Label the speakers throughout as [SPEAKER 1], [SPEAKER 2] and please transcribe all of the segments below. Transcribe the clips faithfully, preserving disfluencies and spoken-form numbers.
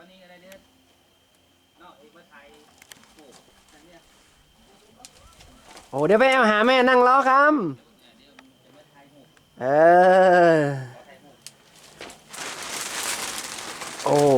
[SPEAKER 1] นี้อะไรเนี่ยเนาะไอ้มาไทยโอ้อันเนี้ย
[SPEAKER 2] โอ้เดี๋ยวไปเอาหาแม่นั่งรอครับเออโอ้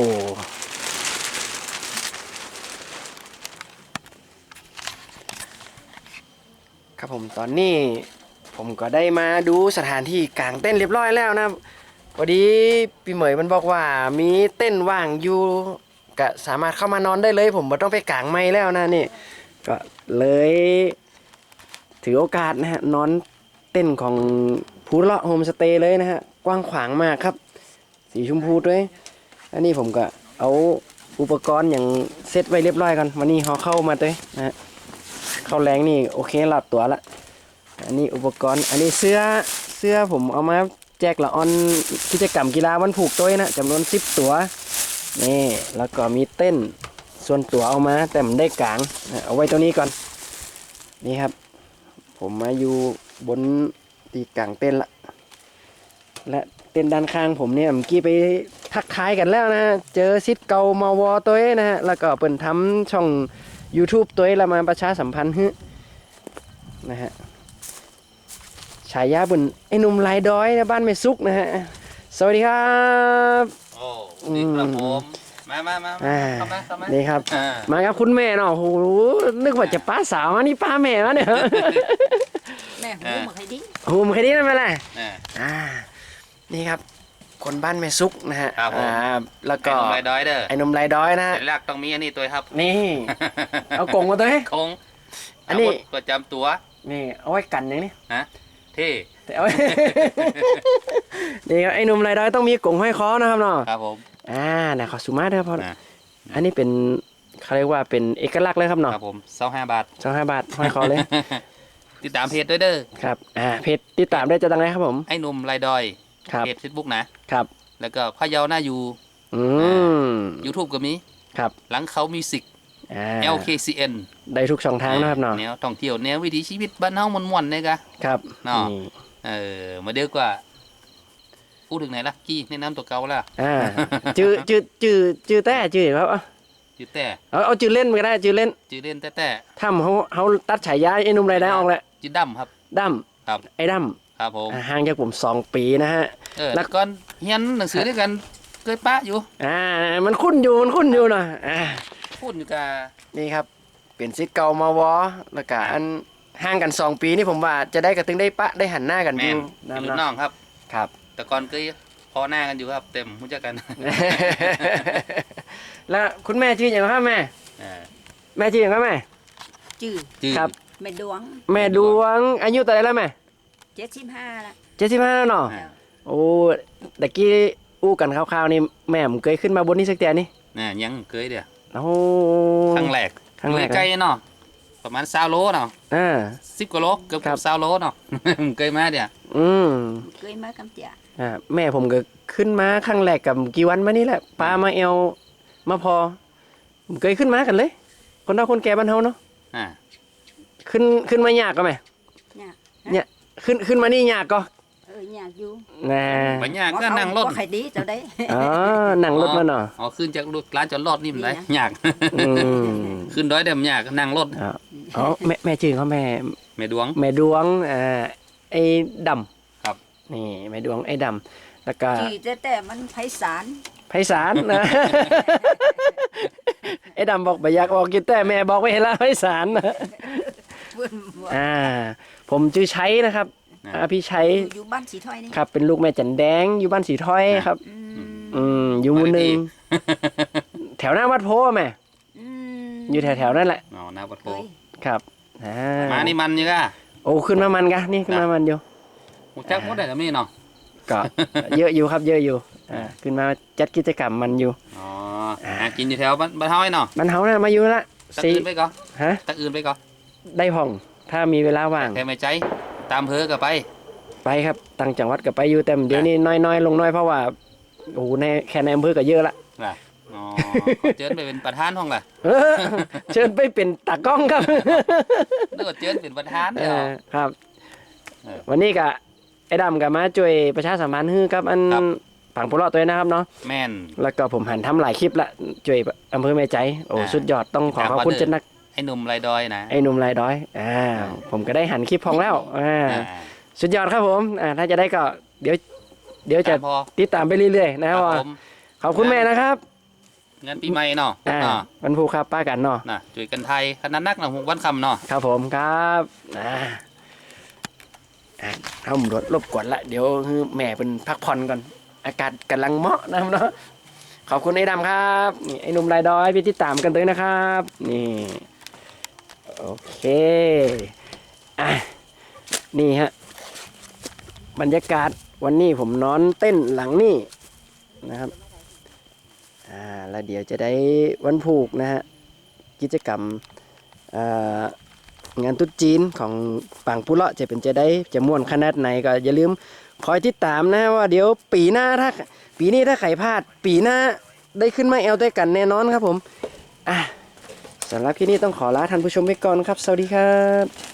[SPEAKER 2] ครับผมตอนนี้ผมก็ได้มาดูสถานที่กางเต้นเรียบร้อยแล้วนะพอดีพี่เหมยมันบอกว่ามีเต้นว่างอยู่ก็สามารถเข้ามานอนได้เลยผมไม่ต้องไปกางไม้แล้วนะนี่ก็เลยถือโอกาสนะฮะนอนเต้นของภูเลาะโฮมสเตย์เลยนะฮะกว้างขวางมากครับสีชมพูด้วยอันนี้ผมก็เอาอุปกรณ์อย่างเซตไว้เรียบร้อยกันวันนี้เขาเข้ามาด้วยนะฮะเข้าแรงนี่โอเคหลับตัวละอันนี้อุปกรณ์อันนี้เสื้อเสื้อผมเอามาแจกละออนกิจกรรมกีฬาวันผูกตัวนะจำนวนสิบตัวนี่แล้วก็มีเต้นส่วนตัวเอามาแต่ผมได้กลางนะเอาไว้ตัวนี้ก่อนนี่ครับผมมาอยู่บนตีกลางเต้นละและเต้นด้านข้างผมเนี่ยเมื่อกี้ไปทักทายกันแล้วนะเจอซิดเกามาวอตัวนะฮะแล้วก็เปิดทำช่อง YouTube ตัวแล้วมาประชาสัมพันธ์ฮึนะฮะฉายาบุญไอ้หนุ่มลายดอยนะบ้านไม่ซุกนะฮะสวัสดีครับ
[SPEAKER 1] โอ้ดีครับผมมามามาเข้ามาเข้ามา
[SPEAKER 2] นี่ครับมาครับคุณแม่เนาะโอ้โหนึกว่าจะป้าสาวนี่ป้าแม่วะเนี่ย
[SPEAKER 3] แม่หูมาใครดิ
[SPEAKER 2] หูมาใครดินั่นมาเลยอ่านี่ครับคนบ้านแม่ซุกนะฮะอ่าแล้วก็
[SPEAKER 1] ไอ้นมลายดอยเด้อ
[SPEAKER 2] ไอ้นมลายดอยนะ
[SPEAKER 1] สัญลักษณ์ต้องมีอันนี้ตัวครับ
[SPEAKER 2] นี่เอากงมาตัวให้
[SPEAKER 1] กงอันนี้ประจำตัว
[SPEAKER 2] นี่เอาไว้กันอย่างนี้
[SPEAKER 1] ฮะเท่
[SPEAKER 2] แต่เอานี่ครับไอ้นมลายดอยต้องมีกงห้อยคอนะครับเนาะ
[SPEAKER 1] ครับผม
[SPEAKER 2] อ่านะขอสุมาเด้อพ่ออันนี้เป็นเขาเรียกว่าเป็นเอกลักษณ์เลยครับเนาะ
[SPEAKER 1] ครับผมสองห้าบาท
[SPEAKER 2] สองห้าบาทห้อยคอเลย
[SPEAKER 1] ติดตามเพจด้วยเด้อ
[SPEAKER 2] ครับอ่าเพจติดตามได้จะตั้งไหนครับผม
[SPEAKER 1] ไอ้หนุ่มลายดอยเพจเฟซบุ๊กนะครับแล้วก็พะเยาหน้าอยู่
[SPEAKER 2] อืม
[SPEAKER 1] ยูทูบก็มี
[SPEAKER 2] ครับ
[SPEAKER 1] หลังเขามิวสิก แอล เค ซี เอ็น
[SPEAKER 2] ได้ทุกช่องทางนะครับเนาะ
[SPEAKER 1] แนวท่องเที่ยวแนววิถีชีวิตบ้านเฮาม่วนๆเนี่ยกะ
[SPEAKER 2] ครับ
[SPEAKER 1] เนาะเออมาเดียวกว่าพูดถึงไหนล่ะกี้แนะนำตัวเก่าล่ะ
[SPEAKER 2] อ่าจื้อจื้อจื้อจื้อแต่จื้อครับ
[SPEAKER 1] จื้อแต่
[SPEAKER 2] เอาเอาจื้อเล่นก็ได้จื้อเล่น
[SPEAKER 1] จื้อเล่นแต่แต่
[SPEAKER 2] ถ้าเขาเขาตัดฉายาไอ้นุ่มไรได้ออกแล้ว
[SPEAKER 1] จื้อดำครับ
[SPEAKER 2] ดำ
[SPEAKER 1] ครับ
[SPEAKER 2] ไอ้ด
[SPEAKER 1] ำครับผม
[SPEAKER 2] ห่างจากผมสองปีนะฮะ
[SPEAKER 1] เออแล้วก่อนเรียนหนังสือด้วยกันเคยปะอยู่
[SPEAKER 2] อ่ามันคุ้นอยู่มันคุ้นอยู่เนาะอ่า
[SPEAKER 1] คุ้นอยู่กับ
[SPEAKER 2] นี่ครับเป็นซิทเก่ามาวอแล้วก็อันห่างกันสองปีนี่ผมว่าจะได้กระตึงได้ปะได้หันหน้ากันอยู่
[SPEAKER 1] น้ำน้องครับ
[SPEAKER 2] ครับ
[SPEAKER 1] แต่ก่อนเคยพอหน้ากันอยู่ครับเต็มรู้จักกัน
[SPEAKER 2] แล้วคุณแม่ชื่ออย่างไรครับแม่แม่ชื่ออย่างไรแม่
[SPEAKER 3] ชื่อ
[SPEAKER 2] ครับ
[SPEAKER 3] แม่ดวง
[SPEAKER 2] แม่ดวงอายุเท่าไหร่แล้วแม่
[SPEAKER 3] เจ็ดสิบห้าละ
[SPEAKER 2] เจ็ดสิบห้าแล้วเนาะโอ้ตะกี้อู้กันคร่าวๆนี่แม่ผมเคยขึ้นมาบนนี้สักเตียนี่
[SPEAKER 1] น่ะยังเคยเดียว
[SPEAKER 2] โอ้
[SPEAKER 1] ครั้งแรก
[SPEAKER 2] ครั้งแรก
[SPEAKER 1] ใกล้เนาะประมาณสามโลเนาะ
[SPEAKER 2] อ่า
[SPEAKER 1] สิบกว่าโลเกือบสามโลเนาะเคยมาเดียว
[SPEAKER 3] อืมเคยมากำเจีย
[SPEAKER 2] อ่าแม่ผมก็ขึ้นมาครั้งแรกกับกี่วันมานี่แหละปลามาเอวมาพอผมเคยขึ้นมากันเลยคนเฒ่าคนแก่บ้านเฮาเนาะ
[SPEAKER 1] อ่า
[SPEAKER 2] ขึ้นขึ้นมายากก็ไหม
[SPEAKER 3] ยาก
[SPEAKER 2] เนี่ยขึ้นขึ้นมานี่ยากก็
[SPEAKER 3] เออยากอยู่
[SPEAKER 2] นะ
[SPEAKER 1] ไม่ยากก็นั่งรถ
[SPEAKER 3] ใครดีเจ้าได้
[SPEAKER 2] อ๋อนั่งรถมาเนาะ
[SPEAKER 1] อ๋อขึ้นจากรถร้านจอดรถนี่มันได้ยากขึ้นด้อยเดิมยากนั่งรถ
[SPEAKER 2] อ๋อแม่แม่ชื่อเขาแม่
[SPEAKER 1] แม่ดวง
[SPEAKER 2] แม่ดวงอ่าไอ้ด
[SPEAKER 1] ำครับ
[SPEAKER 2] นี่แม่ดวงไอ้ดำแล้วก็
[SPEAKER 3] ที่แต่แต่มันไพศาล
[SPEAKER 2] ไพศาลนะไอ้ดำบอกไปอยากออกกินแต่แม่บอกไว้แล้วไพศาลนะอ่าผมชื่อชัยนะครับอ่าพี่ชัย
[SPEAKER 3] อยู่บ้านสีถ้อยนี่
[SPEAKER 2] ครับเป็นลูกแม่จันแดงอยู่บ้านสีถ้อยครับอืมอยู่หมู่หนึ่งแถวหน้าวัดโพแม่อยู่แถวๆนั่นแหละ
[SPEAKER 1] อ๋อหน้าวัดโพ
[SPEAKER 2] ครับ
[SPEAKER 1] มานี่มันยังไง
[SPEAKER 2] โอ้ขึ้นมามันกะนี่ขึ้นมามันอยู่
[SPEAKER 1] หูจักหมดได้แล้วมีเนาะ
[SPEAKER 2] ก็เยอะอยู่ครับเยอะอยู่อ่าขึ้นมาจัดกิจกรรมมันอยู่
[SPEAKER 1] อ๋อหากินอยู่แถวบ้านเฮาเนาะ
[SPEAKER 2] บ้านเฮาน่ะมาอยู่ละ
[SPEAKER 1] ตักอื่นไปก่อน
[SPEAKER 2] ฮะ
[SPEAKER 1] ตักอื่นไปก่อน
[SPEAKER 2] ได้ห้องถ้ามีเวลาว่าง
[SPEAKER 1] แค่ไม่ใจตามเพอก็ไป
[SPEAKER 2] ไปครับต่างจังหวัดก็ไปอยู่แต่เดี๋ยวนี้น้อยๆลงน้อยเพราะว่าโอ้โหในแค่ในอำเภอก็เยอะละ
[SPEAKER 1] อ๋อเชิญไปเป็นประธานห้องล่ะ
[SPEAKER 2] เชิญไปเป็นตากล้องครับ
[SPEAKER 1] นึกว่าเชิญเป็นประธาน
[SPEAKER 2] เนี่ยครับวันนี้ก็ไอ้ดำกับมาช่วยประชาสัมพันธ์ฮือครับอันปังปุเลาะตัวนะครับเนาะ
[SPEAKER 1] แม่น
[SPEAKER 2] แล้วก็ผมหันทำหลายคลิปละช่วยอำเภอแม่ใจโอ้
[SPEAKER 1] อ่า
[SPEAKER 2] สุดยอดต้องขอขอบคุณเจนนัก
[SPEAKER 1] ไอ้หนุ่มไรดอยนะ
[SPEAKER 2] ไอ้หนุ่มลายดอยอ่าผมก็ได้หันคลิปพองแล้วอ่า
[SPEAKER 1] อ่า
[SPEAKER 2] สุดยอดครับผมอ่าถ้าจะได้ก็เดี๋ยวเดี๋ยวจะ
[SPEAKER 1] ตามพอ
[SPEAKER 2] ติดตามไปเรื่อยๆนะครับ
[SPEAKER 1] ผม
[SPEAKER 2] ขอบคุณแม่นะครับ
[SPEAKER 1] เงินปีใหม่เนาะ
[SPEAKER 2] อ่า
[SPEAKER 1] เนาะ
[SPEAKER 2] วันภูครับป้ากันเนาะ
[SPEAKER 1] น่ะจุยกันไทยขนาดนักนะหกวันคำเนาะ
[SPEAKER 2] ครับผมครับอ่าอ่าเอาหมดรบกวนละเดี๋ยวแม่เป็นพักผ่อนก่อนอากาศกำลังเหมาะนะครับเนาะขอบคุณไอ้ดำครับนี่ไอ้หนุ่มลายดอยพี่ติดตามกันเลยนะครับนี่โอเคอ่ะนี่ฮะบรรยากาศวันนี้ผมนอนเต้นหลังนี่นะครับอ่าแล้วเดี๋ยวจะได้วันผูกนะฮะกิจกรรมอ่างานตุ๊ดจีนของปังปุเลาะจะเป็นจะได้จะม่วนขนาดไหนก็อย่าลืมคอยติดตามนะว่าเดี๋ยวปีหน้าถ้าปีนี้ถ้าไข่พลาดปีหน้าได้ขึ้นมาแอลด้วยกันแน่นอนครับผมอ่ะสำหรับที่นี่ต้องขอลาท่านผู้ชมไปก่อนครับสวัสดีครับ